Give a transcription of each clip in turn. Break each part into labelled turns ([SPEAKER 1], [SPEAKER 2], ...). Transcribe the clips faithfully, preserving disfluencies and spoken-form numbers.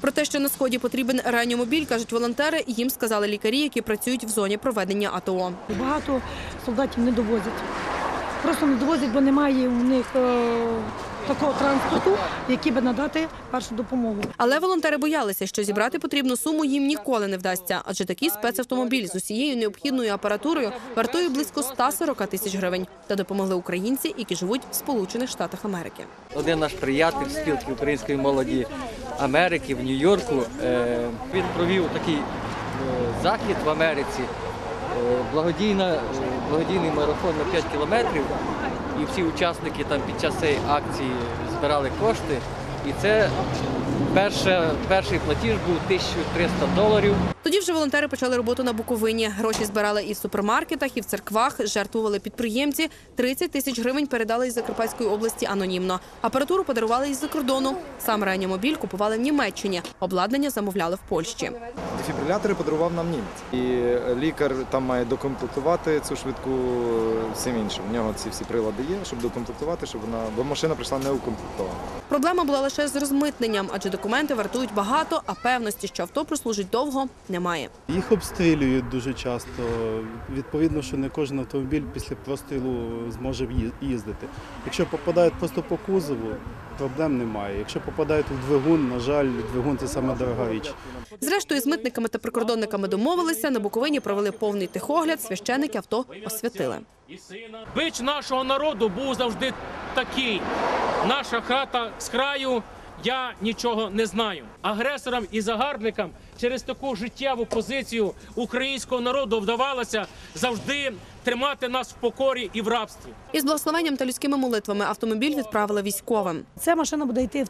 [SPEAKER 1] Про те, що на Сході потрібен реанімобіль, кажуть волонтери, їм сказали лікарі, які працюють в зоні проведення АТО.
[SPEAKER 2] Багато солдатів не довозять. Просто не довозять, бо немає у них е, такого транспорту, який би надати першу допомогу.
[SPEAKER 1] Але волонтери боялися, що зібрати потрібну суму їм ніколи не вдасться, адже такий спецавтомобіль з усією необхідною апаратурою вартує близько ста сорока тисяч гривень. Та допомогли українці, які живуть в Сполучених Штатах Америки.
[SPEAKER 3] Один наш приятель спілки української молоді Америки в Нью-Йорку, він провів такий захід в Америці, благодійна, благодійний марафон на п'ять кілометрів, і всі учасники там під час цієї акції збирали кошти, і це перше, перший платіж був тисяча триста доларів.
[SPEAKER 1] Тоді вже волонтери почали роботу на Буковині. Гроші збирали і в супермаркетах, і в церквах, жертвували підприємці. тридцять тисяч гривень передали із Закарпатської області анонімно. Апаратуру подарували із-за кордону. Сам реанімобіль купували в Німеччині. Обладнання замовляли в Польщі.
[SPEAKER 4] Дефібрилятори подарував нам німець. І лікар там має докомплектувати цю швидку всім іншим. У нього ці всі прилади є, щоб докомплектувати, щоб вона, бо машина прийшла не укомплектована.
[SPEAKER 1] Проблема була лише з розмитненням, адже документи вартують багато, а певності, що авто прослужить довго, немає.
[SPEAKER 5] Їх обстрілюють дуже часто. Відповідно, що не кожен автомобіль після прострілу зможе їздити. Якщо попадають просто по кузову, проблем немає. Якщо попадають у двигун, на жаль, двигун – це саме дорога річ.
[SPEAKER 1] Зрештою, з митниками та прикордонниками домовилися, на Буковині провели повний техогляд, священики авто освятили.
[SPEAKER 6] Бич нашого народу був завжди такий. Наша хата з краю, я нічого не знаю. Агресорам і загарбникам через таку життєву позицію українського народу вдавалося завжди тримати нас в покорі і в рабстві.
[SPEAKER 1] Із благословенням та людськими молитвами автомобіль відправили військовим.
[SPEAKER 2] Ця машина буде йти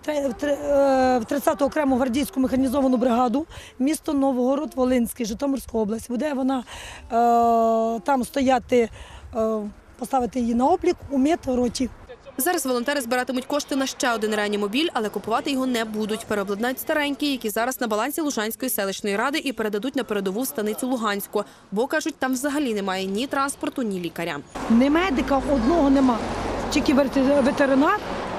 [SPEAKER 2] в тридцяту окрему гвардійську механізовану бригаду, місто Новогород-Волинський, Житомирська область. Буде вона е, там стояти, е, поставити її на облік у медроті.
[SPEAKER 1] Зараз волонтери збиратимуть кошти на ще один реанімобіль, але купувати його не будуть. Переобладнають старенький, який зараз на балансі Лужанської селищної ради, і передадуть на передову в станицю Луганську. Бо, кажуть, там взагалі немає ні транспорту, ні лікаря.
[SPEAKER 2] Ні медика одного нема, тільки ветеринар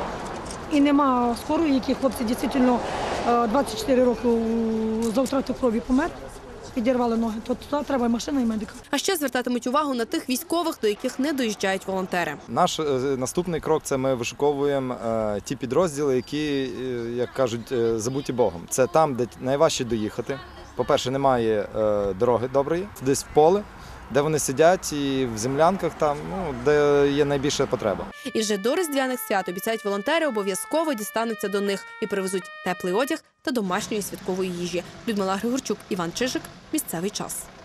[SPEAKER 2] і нема скорої, які хлопці дійсно двадцять чотири роки за втрату крові помер. Підірвали ноги, то туди треба машина і медика.
[SPEAKER 1] А ще звертатимуть увагу на тих військових, до яких не доїжджають волонтери.
[SPEAKER 4] Наш е, наступний крок – це ми вишуковуємо е, ті підрозділи, які, е, як кажуть, е, забуті Богом. Це там, де найважче доїхати. По-перше, немає е, дороги доброї, десь в поле, де вони сидять, і в землянках там, ну, де є найбільша потреба.
[SPEAKER 1] І вже до Різдвяних свят, обіцяють волонтери, обов'язково дістануться до них і привезуть теплий одяг та домашньої святкової їжі. Людмила Григорчук, Іван Чижик. Місцевий час.